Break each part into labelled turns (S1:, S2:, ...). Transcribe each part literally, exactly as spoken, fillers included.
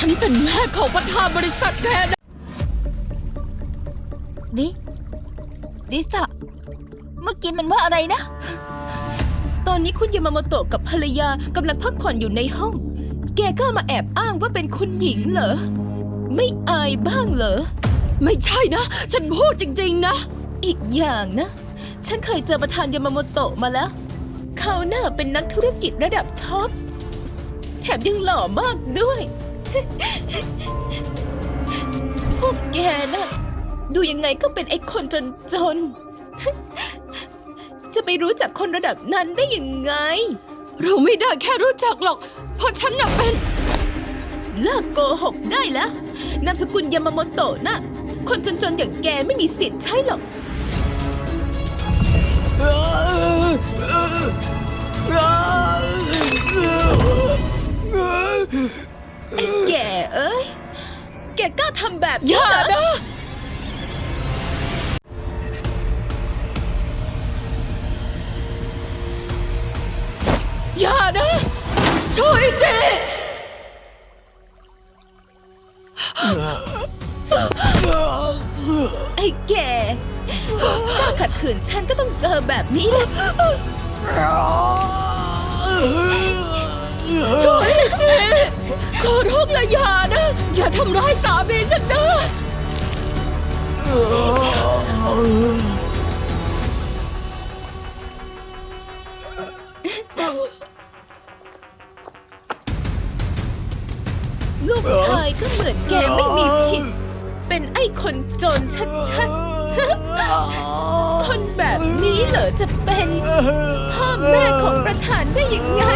S1: ฉันเป็นแม่ของประธานบริษัทแกนะ
S2: ดิดิสะเมื่อกี้มันว่าอะไรนะ
S1: ตอนนี้คุณยามาโมโตะกับภรรยากำลังพักผ่อนอยู่ในห้องแกก็มาแอบอ้างว่าเป็นคุณหญิงเหรอไม่อายบ้างเหรอไม่ใช่นะฉันพูดจริงๆนะอีกอย่างนะฉันเคยเจอประธานยามาโมโตะมาแล้วเขาน่าเป็นนักธุรกิจระดับท็อปแถมยังหล่อมากด้วย พวกแกนะดูยังไงก็เป็นไอ้คนจนๆ จะไปรู้จักคนระดับนั้นได้ยังไงเราไม่ได้แค่รู้จักหรอกเพราะฉันน่ะเป็นเลิกโกหกได้แล้วนามสกุลยามาโมโตะนะคนจนๆอย่างแกไม่มีสิทธิ์ใช่หรอกไอ้แกเอ้ยแกกล้าทำแบบนี้เหรอนะอย่านะช่วยทีไอ้แกกล้าขัดขืนฉันก็ต้องเจอแบบนี้แหละช่วยทีขอร้องละอย่านะอย่าทำร้ายสามีฉันนะลูกชายก็เหมือนแกไม่มีผิดเป็นไอ้คนจนชัดๆคนแบบนี้เหรอจะเป็นพ่อแม่ของประธานได้ยังไง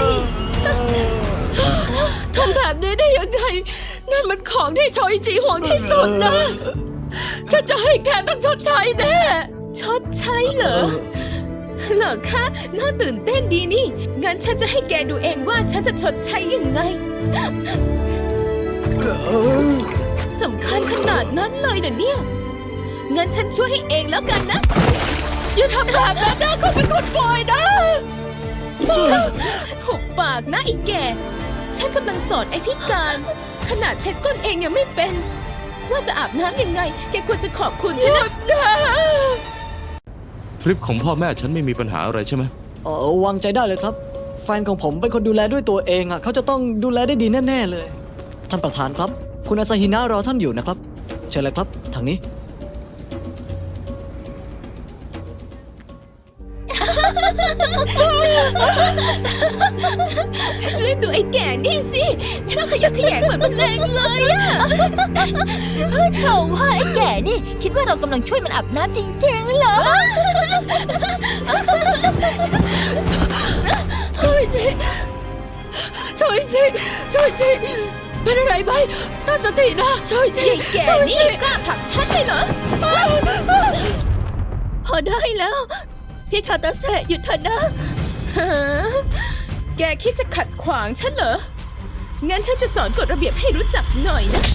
S1: ทำแบบนี้ได้ยังไงนั่นมันของที่ชอยจีห่วงที่สุดนะฉันจะให้แกต้องชดใช้แน่ชดใช้เหรอเหรอคะน่าตื่นเต้นดีนี่งั้นฉันจะให้แกดูเองว่าฉันจะชดใช้ยังไงสำคัญขนาดนั้นเลยนะเนี่ยงั้นฉันช่วยให้เองแล้วกันนะอย่าทำแบบนั้นนะเขาเป็นคนปล่อยนะหุบปากนะไอ้แก่ฉันกำลังสอนไอ้พิการขนาดเช็ดก้นเองยังไม่เป็นว่าจะอาบน้ำยังไงแกควรจะขอบคุณฉันนะ
S3: ทริปของพ่อแม่ฉันไม่มีปัญหาอะไรใช่ไหม
S4: เออวางใจได้เลยครับแฟนของผมเป็นคนดูแลด้วยตัวเองอ่ะเขาจะต้องดูแลได้ดีแน่ๆเลยท่านประธานครับคุณอาซาฮินะรอท่านอยู่นะครับเชิญเลยครับทางนี้
S1: รีบดูไอ้แก่นี่สิน่าขยักขยงเหมือนมันแรงเลยอะ
S2: เขาว่าไอ้แก่นี่คิดว่าเรากำลังช่วยมันอาบน้ำจริงๆเหรอ
S1: ช่วยทีช่วยทีช่วยทีเป็นอะไรไหมตั้งสตินะช่วยทีแก่นี่กล้าผลักฉันเลยเหรอ
S2: พอได้แล้วพี่คาตาเซะหยุดเถอะนะ
S1: แกคิดจะขัดขวางฉันเหรองั้นฉันจะสอนกฎระเบียบให้รู้จักหน่อยนะ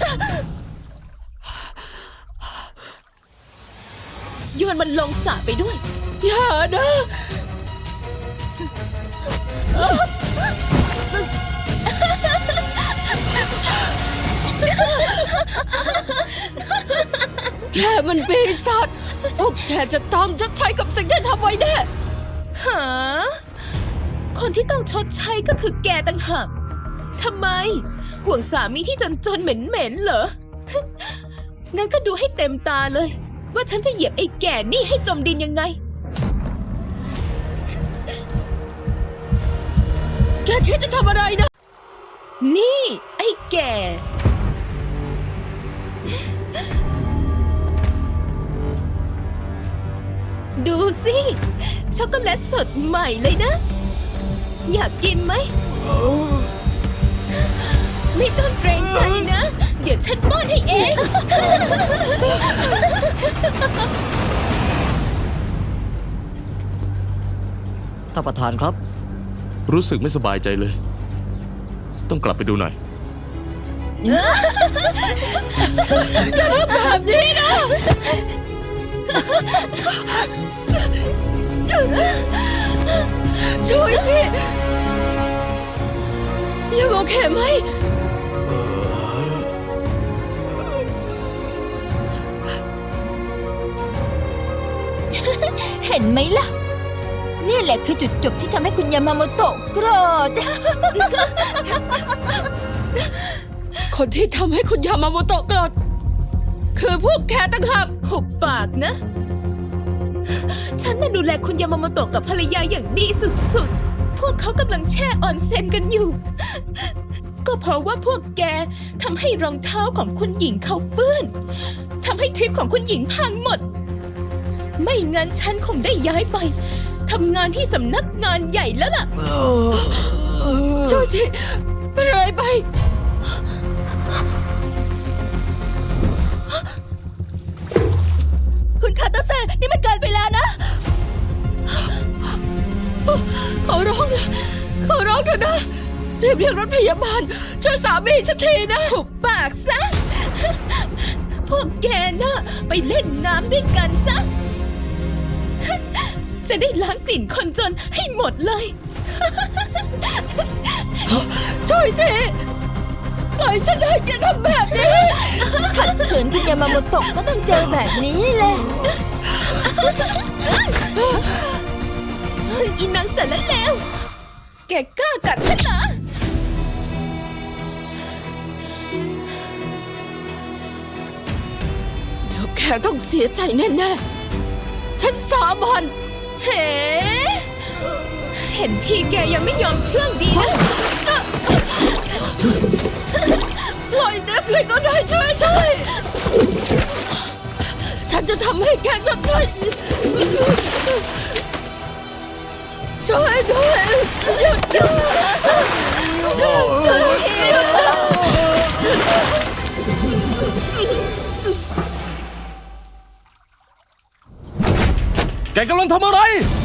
S1: โยนมันลงสระไปด้วยอย่านะแกมันปีศาจพวกแกจะต้องชดใช้กับสิ่งที่ทำไว้แน่หาคนที่ต้องชดใช้ก็คือแกต่างหากทำไมห่วงสามีที่จนๆเหม็นๆเหรองั้นก็ดูให้เต็มตาเลยว่าฉันจะเหยียบไอ้แก่นี่ให้จมดินยังไงแกคิดจะทำอะไรนะนี่ไอ้แก่ดูสิช็อกโกแลตสดใหม่เลยนะอยากกินไหมไม่ต้องเกรงใจนะเดี๋ยวฉันป้อนให้เอง
S4: ท่านประธานครับ
S3: รู้สึกไม่สบายใจเลยต้องกลับไปดูหน่อย
S1: อย่าทำแบบนี้นะช่วยทียังโอเคไหม
S2: ห็นไหมล่ะ นี่แหละคือจุดจบที่ทำให้คุณยามาโมโตะโกรธ
S1: คนที่ทำให้คุณยามาโมโตะโกรธคือพวกแกต่างหากหุบปากนะ ฉันน่ะดูแลคุณยามาโมโตะกับภรรยาอย่างดีสุดๆ พวกเขากำลังแช่ออนเซ็นกันอยู่ ก็เพราะว่าพวกแกทำให้รองเท้าของคุณหญิงเขาเปื้อนทำให้ทริปของคุณหญิงพังหมด ไม่งั้นฉันคงได้ย้ายไปทำงานที่สำนักงานใหญ่แล้วล่ะโจจิเป็นอะไรไป
S2: คุณคาตาเซ่นี่มันเกินไปแล้วนะ
S1: ขอร้องนะขอร้องเถอะนะรีบเรียกรถพยาบาลช่วยสามีฉันทีนะหุบปากซะ พวกแกน่ะไปเล่นน้ำด้วยกันซะ จะได้ล้างกลิ่นคนจนให้หมดเลย ช่วยทีปล่อยฉันให้แกทำแบบนี้
S2: ขัดขืนคุณยามาโมโตะก็ต้องเจอแบบนี้แหละ
S1: อีนางสารเลวแกกล้ากัดฉันเหรอเดี๋ยวแกต้องเสียใจแน่ๆฉันสาบานเฮ้เห็นทีแกยังไม่ยอมเชื่องดีนะปล่อยนะใครก็ได้ช่วยช่วยฉันจะทำให้แกจดใช่ช่วยด้วยหยุดหยุด
S3: แกกำลังทำอะไร